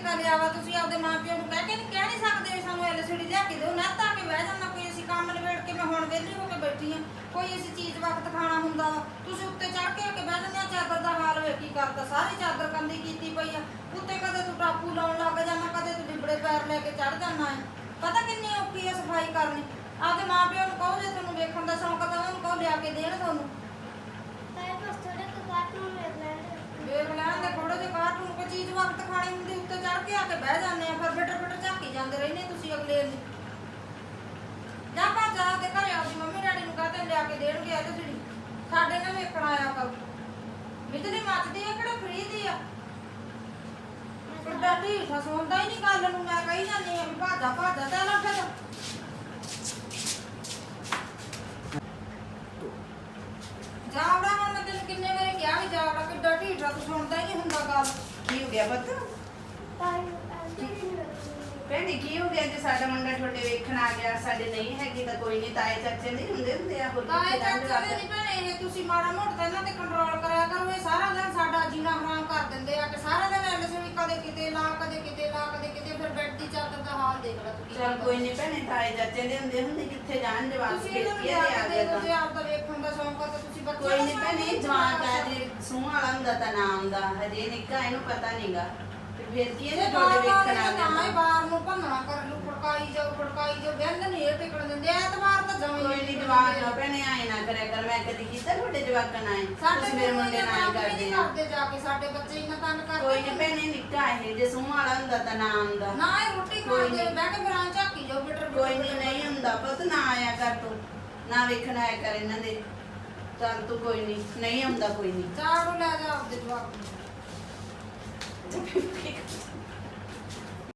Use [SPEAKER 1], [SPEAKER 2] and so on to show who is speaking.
[SPEAKER 1] ਤਾਂ ਲਿਆ ਵਾ ਤੁਸੀਂ ਆਪਦੇ ਮਾਪਿਆਂ ਨੂੰ ਕਹਿ ਨਹੀਂ ਸਕਦੇ ਸਾਨੂੰ ਐਲਸੀਡੀ ਲਿਆ ਕੇ ਦਿਓ ਨਾ ਤਾਂ ਕਿ ਬਹਿ ਜਾਣਾ ਕੋਈ ਅਸੀਂ ਕੰਮ ਨਿਬੇੜ ਕੇ ਮੈਂ ਹੁਣ ਵਿਹਲੀ ਹੋ ਕੇ ਬੈਠੀ ਆ ਕੋਈ ਅਸੀਂ ਚੀਜ਼ ਵਕਤ ਖਾਣਾ ਹੁੰਦਾ ਵਾ ਤੁਸੀਂ ਉੱਤੇ ਚੜ ਕੇ ਬਹਿ ਜਾਂਦੇ ਆ ਚਾਦਰ ਦਾ ਹਾਲ ਵੇ ਕੀ ਕਰਦਾ ਸਾਰੀ ਚਾਦਰ ਕੰਦੀ ਕੀਤੀ ਪਈ ਆ ਉੱਤੇ ਕਦੇ ਤੂੰ ਟਾਪੂ ਲਾਉਣ ਲੱਗ ਜਾਣਾ ਕਦੇ ਤੂੰ ਡਿਬੜੇ ਪੈਰ ਲੈ ਕੇ ਚੜ ਜਾਣਾ ਹੈ ਪਤਾ ਕਿੰਨੀ ਔਖੀ ਆ ਸਫਾਈ ਕਰਨੀ ਆਪਦੇ ਮਾਪਿਆਂ ਨੂੰ ਕਹੋ ਜੇ ਤੁਹਾਨੂੰ ਵੇਖਣ ਦਾ ਸ਼ੌਂਕ ਤਾਂ ਉਹਨਾਂ ਨੂੰ ਕਹੋ ਲਿਆ ਕੇ ਦੇਣ ਤੁਹਾਨੂੰ ਵੇਖ ਲੈਣ ਦੇ ਥੋੜੇ ਜਿਹੇ ਕਾਰਟੂਨ ਕੋਈ ਚੀਜ਼ ਵਕਤ ਖਾਣੀ ਹੁੰਦੀ ਉੱਤੇ ਚੜ ਕੇ ਆ ਕੇ ਬਹਿ ਜਾਂਦੇ ਆ ਫਿਰ ਬਿਟਰ ਝਾਕੀ ਜਾਂਦੇ ਰਹਿੰਦੇ ਤੁਸੀਂ ਅਗਲੇ ਨੂੰ ਜਾਂ ਭੱਜ ਜਾ ਤੇ ਘਰੇ ਆਪਦੀ ਮੰਮੀ ਡੈਡੀ ਨੂੰ ਕਹਤੇ ਲਿਆ ਕੇ ਦੇਣਗੇ ਅੱਜ ਜਿਹੜੀ ਸਾਡੇ ਨਾਲ ਵੇਖਣ ਆਇਆ ਕਰ ਬਿਜਲੀ ਮੱਚਦੀ ਆ ਕਿਹੜਾ ਫਰੀ ਦੀ ਆ ਕਿੱਡਾ ਢੀਠਾ ਸੁਣਦਾ ਹੀ ਨਹੀਂ ਗੱਲ ਨੂੰ ਮੈਂ ਕਹੀ ਜਾਂਦੀ ਆ ਭਾਜਾ ਤੇ ਨਾ ਫਿਰ ਜਾਵੜਾ ਹੁਣ ਮੈਂ ਤੈਨੂੰ ਕਿੰਨੇ ਵਾਰੀ ਕਿਹਾ ਵੀ ਜਾਵੜਾ ਕਿੱਡਾ ਢੀਠਾ ਤੂੰ ਸੁਣਦਾ ਹੀ ਨਹੀਂ ਹੁੰਦਾ ਗੱਲ
[SPEAKER 2] ਕੀ ਹੋ ਗਿਆ ਪੁੱਤ ਭੈਣੇ ਕੀ ਹੋ ਗਿਆ ਜੇ ਸਾਡਾ ਮੁੰਡਾ ਤੁਹਾਡੇ ਵੇਖਣ ਆ ਗਿਆ ਸਾਡੇ ਨਹੀਂ ਹੈਗੀ ਤਾਂ ਕੋਈ ਨਹੀਂ ਤਾਏ ਚਾਚੇ ਨਹੀਂ ਹੁੰਦੇ ਆ ਹੋਰ
[SPEAKER 1] ਤਾਏ ਚਾਚੇ ਦੇ ਨਹੀਂ ਭੈਣੇ ਇਹ ਤੁਸੀਂ ਮਾੜਾ ਮੋਟਾ ਤਾਂ ਇਹਨਾਂ ਤੇ ਕੰਟਰੋਲ ਕਰਿਆ ਕਰੋ ਇਹ ਸਾਰਾ ਦਿਨ ਸਾਡਾ ਜੀਣਾ ਹਰਾਮ ਕਰ ਦਿੰਦੇ ਆ ਕਿ ਸਾਰਾ ਦਿਨ ਐਲਸੀਡੀ ਕਦੇ ਕਿਤੇ ਲਾ ਕਦੇ ਕਿਤੇ ਫਿਰ ਬੈੱਡ ਦੀ ਚਾਦਰ ਦਾ ਹਾਲ ਦੇਖ ਲੈ ਤੁਸੀਂ
[SPEAKER 2] ਚਲ ਕੋਈ ਨਹੀਂ ਭੈਣੇ ਤਾਏ ਚਾਚੇ ਦੇ ਹੁੰਦੇ ਕਿੱਥੇ ਜਾਣ ਜਵਾਕ
[SPEAKER 1] ਤੁਸੀਂ
[SPEAKER 2] ਫੇਰ
[SPEAKER 1] ਇਹਨਾਂ
[SPEAKER 2] ਕੀ
[SPEAKER 1] ਨੂੰ
[SPEAKER 2] ਆ ਗਿਆ ਤਾਂ
[SPEAKER 1] ਜੇ ਆਪ ਦਾ ਵੇਖਣ ਦਾ ਸ਼ੌਂਕ ਆ ਤਾਂ ਤੁਸੀਂ ਬੱਚੇ
[SPEAKER 2] ਕੋਈ ਨਹੀਂ ਭੈਣੇ ਜਵਾਕ ਆ ਜੇ ਸੂਹ ਵਾਲਾ ਹੁੰਦਾ ਤਾਂ ਨਾ ਆਉਂਦਾ ਹਜੇ ਨਿੱਕਾ ਇਹਨੂੰ ਪਤਾ ਨਹੀਂਗਾ ਤੇ ਫਿਰ ਕੀ ਇਹਨੇ ਤੁਹਾਡੇ ਵੇਖਣ ਆ ਗਿਆ
[SPEAKER 1] ਤਾਂ ਬਾਹਰ ਨੂੰ ਭੰਨਣਾ ਕਰ ਲੂ ਫੜਕਾਈ ਜਾਓ ਬੰਦ ਨਹੀਂ ਇਹ ਟਿਕਣ ਦਿੰਦੇ ਐਤਵਾਰ ਤਾਂ ਜਮੀ
[SPEAKER 2] ਕੋਈ ਨਹੀਂ ਜਵਾਕ ਨਾ ਭੈਣੇ ਆਏ ਨਾ ਕਰਿਆ ਕਰ ਮੈਂ ਕਦੀ ਕੀਤਾ ਤੁਹਾਡੇ ਜਵਾਕਾਂ ਨਾਲ
[SPEAKER 1] ਸਾਡੇ
[SPEAKER 2] ਮੇਰੇ ਮੁੰਡੇ ਨਾਲ ਕਰਦੇ ਆ
[SPEAKER 1] ਕਰਦੇ ਜਾ ਕੇ ਸਾਡੇ ਬੱਚੇ ਇੰਨਾ ਤੰਗ ਕਰਦੇ
[SPEAKER 2] ਕੋਈ ਨਹੀਂ ਭੈਣੇ ਨਿੱਕਾ ਇਹ ਜੇ ਸੂਹ ਵਾਲਾ ਹੁੰਦਾ ਤਾਂ ਨਾ ਆਉਂਦਾ
[SPEAKER 1] ਨਾ ਇਹ ਰੋਟੀ ਖਾਂਦੇ ਬਹਿ ਕੇ ਬਰਾਂ ਝਾਕੀ ਜਾਓ ਬਿਟਰ
[SPEAKER 2] ਕੋਈ ਨਹੀਂ ਹੁੰਦਾ ਪੁੱਤ ਨਾ ਆਇਆ ਕਰ ਤੂੰ ਨਾ ਵੇਖਣ ਆਇਆ ਕਰ ਇਹਨਾਂ ਦੇ ਚੱਲ ਤੂੰ ਕੋਈ ਨਹੀਂ ਆਉਂਦਾ ਕੋਈ ਨਹੀਂ
[SPEAKER 1] ਚਾਹ ਨੂੰ ਲੈ ਜਾ ਆਪਦੇ ਜਵਾਕ
[SPEAKER 2] ਚੱਲ